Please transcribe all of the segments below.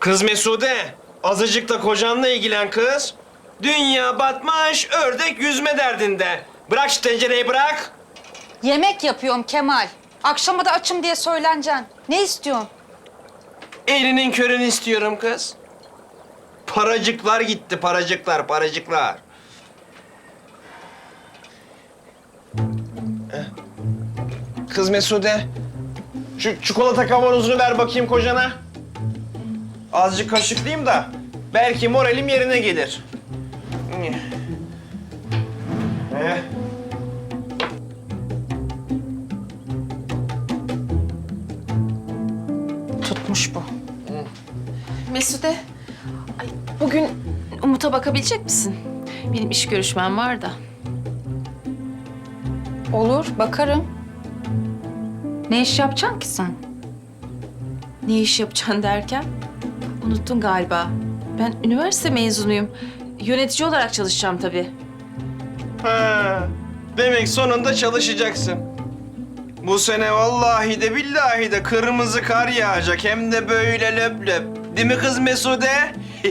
Kız Mesude, azıcık da kocanla ilgilen kız. Dünya batmış, ördek yüzme derdinde. Bırak şu tencereyi bırak. Yemek yapıyorum Kemal. Akşama da açım diye söyleneceksin. Ne istiyorsun? Elinin körünü istiyorum kız. Paracıklar gitti, paracıklar, paracıklar. Kız Mesude, şu çikolata kavanozunu ver bakayım kocana. Azıcık kaşıklayayım da belki moralim yerine gelir. Tutmuş bu. Mesude, ay, bugün Umut'a bakabilecek misin? Benim iş görüşmem var da. Olur, bakarım. Ne iş yapacaksın ki sen? Ne iş yapacaksın derken? Unuttun galiba. Ben üniversite mezunuyum. Yönetici olarak çalışacağım tabii. Ha, demek sonunda çalışacaksın. Bu sene vallahi de billahi de kırmızı kar yağacak hem de böyle löp löp. Değil mi kız Mesude?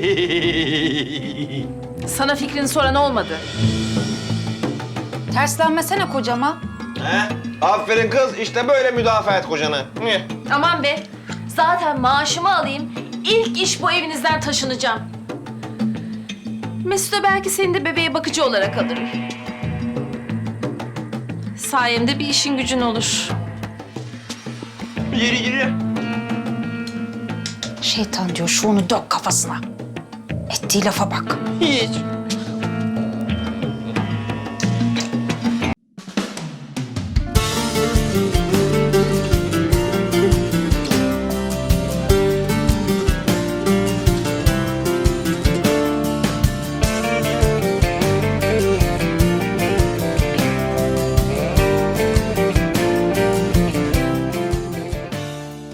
Sana fikrini soran olmadı. Terslenmesene kocama. He? Aferin kız, işte böyle müdafaa et kocanı. Hı. Aman be, zaten maaşımı alayım. İlk iş bu evinizden taşınacağım. Mesude belki seni de bebeğe bakıcı olarak alırım. Sayemde bir işin gücün olur. Yürü yürü. Şeytan diyor, şu onu dök kafasına. Ettiği lafa bak. Hiç.